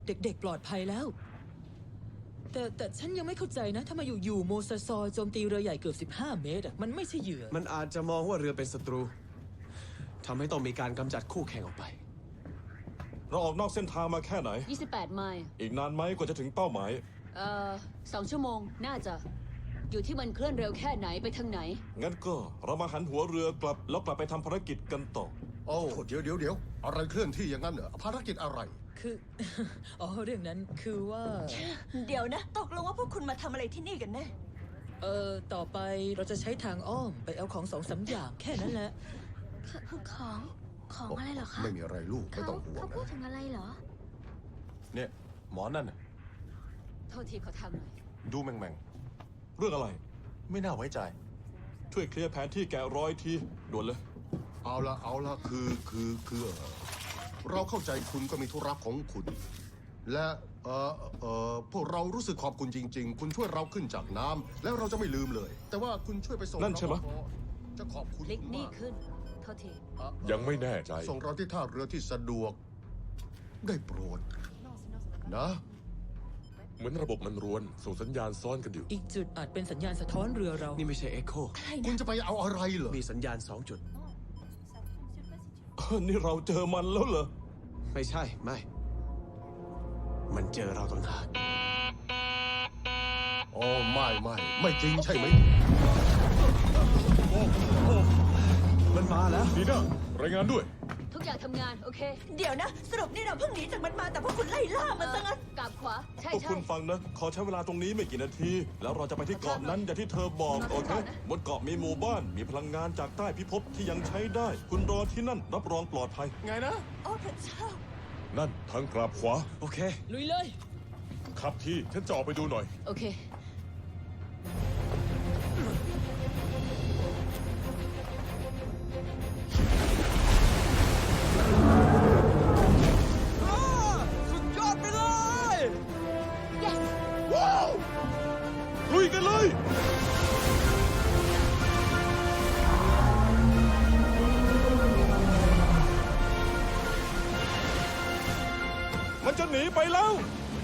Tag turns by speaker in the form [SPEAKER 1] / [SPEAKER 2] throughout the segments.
[SPEAKER 1] เด็กๆปลอดภัยแล้วแต่ฉันยังไม่เข้าใจนะทำไมอยู่ๆโมซาซอโจมตีเรือใหญ่เกือบ15 เมตรมันไม่ใช่เหยื่อ
[SPEAKER 2] มันอาจจะมองว่าเรือเป็นศัตรูทำให้ต้องมีการกำจัดคู่แข่งออกไป
[SPEAKER 3] เราออกนอกเส้นทางมาแค่ไหน
[SPEAKER 4] 28 ไมล์
[SPEAKER 3] อีกนานไหมกว่าจะถึงเป้าหมาย
[SPEAKER 4] 2 ชั่วโมงน่าจะอยู่ที่มันเคลื่อนเร็วแค่ไหนไปทางไหน
[SPEAKER 3] งั้นก็เรามาหันหัวเรือกลับแล้วกลับไปทำภารกิจกันต่อ
[SPEAKER 5] โอ้เดี๋ยวอะไรเคลื่อนที่อย่างนั้นเหรอภารกิจอะไร
[SPEAKER 1] คือ เรื่องนั้นคือว่า
[SPEAKER 6] เดี๋ยวนะตกลงว่าพวกคุณมาทำอะไรที่นี่กันแน่
[SPEAKER 1] ต่อไปเราจะใช้ทางอ้อมไปเอาของ2-3 อย่างแค่นั้นแหละ
[SPEAKER 7] ของอะไรเหรอคะ
[SPEAKER 5] ไม่มีอะไรลูกไม่ต้องห่วง
[SPEAKER 7] เขาพูดถึงอะไรเหรอ
[SPEAKER 8] เนี่ยหมอนั่นน่ะ
[SPEAKER 4] โทษทีขอทำหน่อย
[SPEAKER 8] ดูแม่ง
[SPEAKER 3] เรื่องอะไร
[SPEAKER 8] ไม่น่าไว้ใจ
[SPEAKER 3] ช่วยเคลียร์แผนที่แกะรอยทีด่วนเลย
[SPEAKER 5] เอาละคือเราเข้าใจคุณก็มีธุระของคุณและพวกเรารู้สึกขอบคุณจริงๆคุณช่วยเราขึ้นจากน้ำแล้วเราจะไม่ลืมเลยแต่ว่าคุณช่วยไปส่ง
[SPEAKER 3] นั่นใช่ไหม
[SPEAKER 5] จะขอบคุณ
[SPEAKER 4] ลิกนี่ขึ้นโทษที
[SPEAKER 8] ยังไม่แน่ใจ
[SPEAKER 5] ส่งเราที่ท่าเรือที่สะดวกได้โปรดนะ
[SPEAKER 8] เหมือนระบบมันรวนส่งสัญญาณซ้อนกันอยู่
[SPEAKER 1] อีกจุดอาจเป็นสัญญาณสะท้อนเรือเรา
[SPEAKER 2] นี่ไม่ใช่เอ็กโค
[SPEAKER 5] คุณจะไปเอาอะไรเหรอ
[SPEAKER 2] มีสัญญาณ2 จุด
[SPEAKER 3] นี่เราเจอมันแล้วเหรอ
[SPEAKER 2] ไม่ใช่ไม่มันเจอเราต่างหาก
[SPEAKER 5] โอ้ไม่จริงใช่ไหม
[SPEAKER 2] มันมาแล้ว
[SPEAKER 8] ดีนะรายงานด้วย
[SPEAKER 4] ทุกอย่างทำงานโอเค
[SPEAKER 6] เดี๋ยวนะสรุปนี่เราเพิ่งหนีจากมันมาแต่พวกคุณไล่ล่ามันซะงั้น
[SPEAKER 4] กลับขวาใช่
[SPEAKER 3] พวกคุณฟังนะขอใช้เวลาตรงนี้ไม่กี่นาทีแล้วเราจะไปที่เกาะนั้นอย่างที่เธอบอกโอเคบนเกาะมีหมู่บ้านมีพลังงานจากใต้พิภพที่ยังใช้ได้คุณรอที่นั่นรับรองปลอดภัย
[SPEAKER 8] ไงนะ
[SPEAKER 6] โอ้พระเจ้า
[SPEAKER 8] นั่นทางกลับขวา
[SPEAKER 2] โอเค
[SPEAKER 1] ลุยเลย
[SPEAKER 8] ขับที่ฉันจะออกไปดูหน่อย
[SPEAKER 4] โอเค
[SPEAKER 8] ลุยกันเลยมันจะหนีไปแล้ว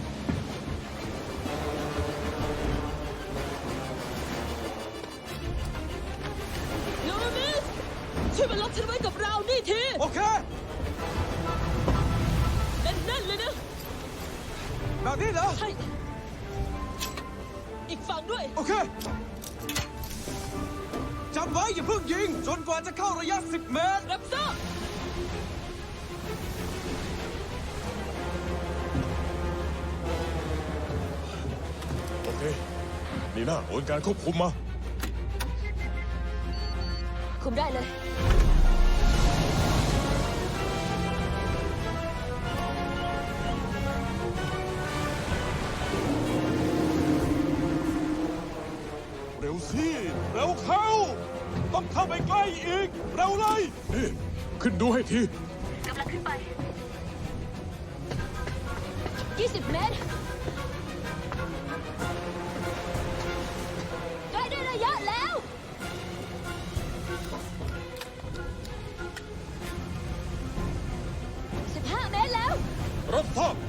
[SPEAKER 1] โนมิสช่วยมาล็อกฉันไว้กับเรานี่ที
[SPEAKER 2] โอเค
[SPEAKER 1] แน่นๆเลยนะ
[SPEAKER 2] แบบนี้เหรอ
[SPEAKER 1] ใช่อีกฝั่งด้วย
[SPEAKER 2] โอเคจำไว้อย่าเพิ่งยิงจนกว่าจะเข้าระยะ10 เมตร
[SPEAKER 1] รับทราบ
[SPEAKER 8] โอเคนี่นะโอนการควบคุมมา
[SPEAKER 4] คุมได้เลย
[SPEAKER 3] เร็วสิเร็วเข้าต้องเข้าไปใกล้อีกเร็วเลย
[SPEAKER 8] นี่ขึ้นดูให้ที
[SPEAKER 4] กำลังขึ้นไป20 เมตรใกล้ได้ระยะแล้ว15 เมตรแล้ว
[SPEAKER 8] รับทราบ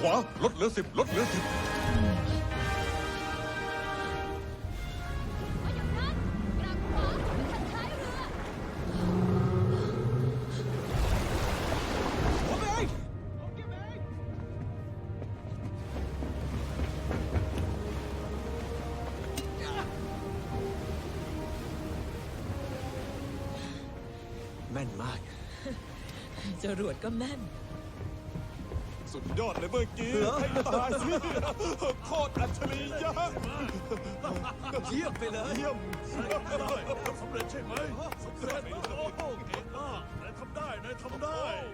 [SPEAKER 8] วาลดเหลือ 10 ลดเหลือ 10
[SPEAKER 2] แม่นมาก
[SPEAKER 1] จรวดก็แม่น
[SPEAKER 3] สุดยอดเลยเมื่อกี้ให้ตายสิโคตรอัจฉริยะ
[SPEAKER 2] เยี่ยมไปเลย
[SPEAKER 3] เยี่ยม
[SPEAKER 8] สำเร็จใช่ไหมสำเร็จโอ้โหเก่งมากนายทำได้นายทำได้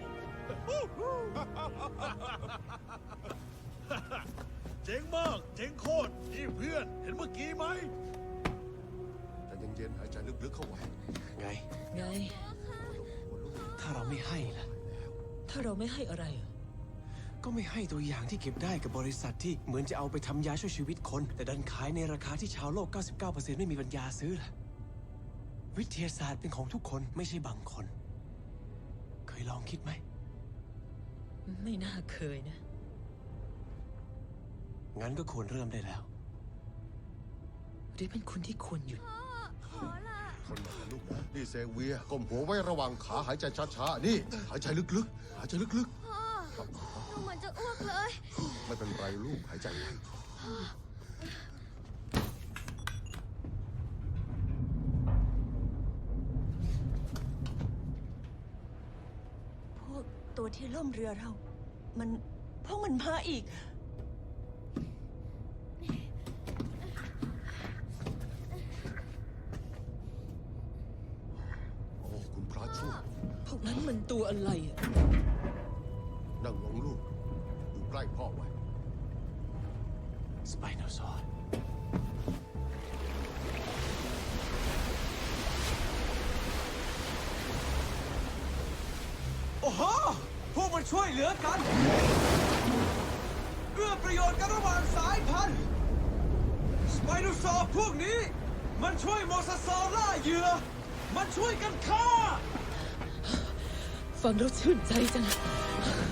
[SPEAKER 8] เจ๋งมาก เจ๋งโคตรนี่เพื่อน เห็นเมื่อกี้ไหม
[SPEAKER 5] แต่เย็นๆหายใจลึกๆเข้าไว้
[SPEAKER 2] ไง
[SPEAKER 1] ไง
[SPEAKER 2] ถ้าเราไม่ให้ล่ะ
[SPEAKER 1] ถ้าเราไม่ให้อะไรอะ
[SPEAKER 2] ก็ไม่ให้ตัวอย่างที่เก็บได้กับบริษัทที่เหมือนจะเอาไปทำยาช่วยชีวิตคน แต่ดันขายในราคาที่ชาวโลก 99% ไม่มีปัญญาซื้อล่ะ วิทยาศาสตร์เป็นของทุกคนไม่ใช่บางคน เคยลองคิดไหม
[SPEAKER 1] ไม่น่าเคยนะ
[SPEAKER 2] งั้นก็ควรเริ่มได้แล้ว
[SPEAKER 1] หรือเป็นคุณที่ควรหยุด
[SPEAKER 5] คนมาลูกนะ นี่เซเวียก้มหัวไว้ระหว่างขาหายใจช้าๆ นี่ หายใจลึกๆ หายใจลึก
[SPEAKER 7] ดูเหมือนจะอ้วกเลย
[SPEAKER 5] ๆ ไม่เป็นไรลูกหายใจไว้
[SPEAKER 6] พวกตัวที่ล่มเรือเรา พวกมันมาอีก
[SPEAKER 5] โอ้ คุณพระช่วย
[SPEAKER 1] พวกนั้นมันตัวอะไรอะ
[SPEAKER 5] นั่งลงลูก อยู่ใกล้พ่อไว้
[SPEAKER 2] สไปโนซอร์ โอ้โห พวกมันช่วยเหลือกัน เอื้อประโยชน์กันระหว่างสายพันธุ์ สไปโนซอร์พวกนี้ มันช่วยโมซาซอร์ล่าเหยื่อ มันช่วยกันฆ่า
[SPEAKER 1] ฟังแล้วชื่นใจจัง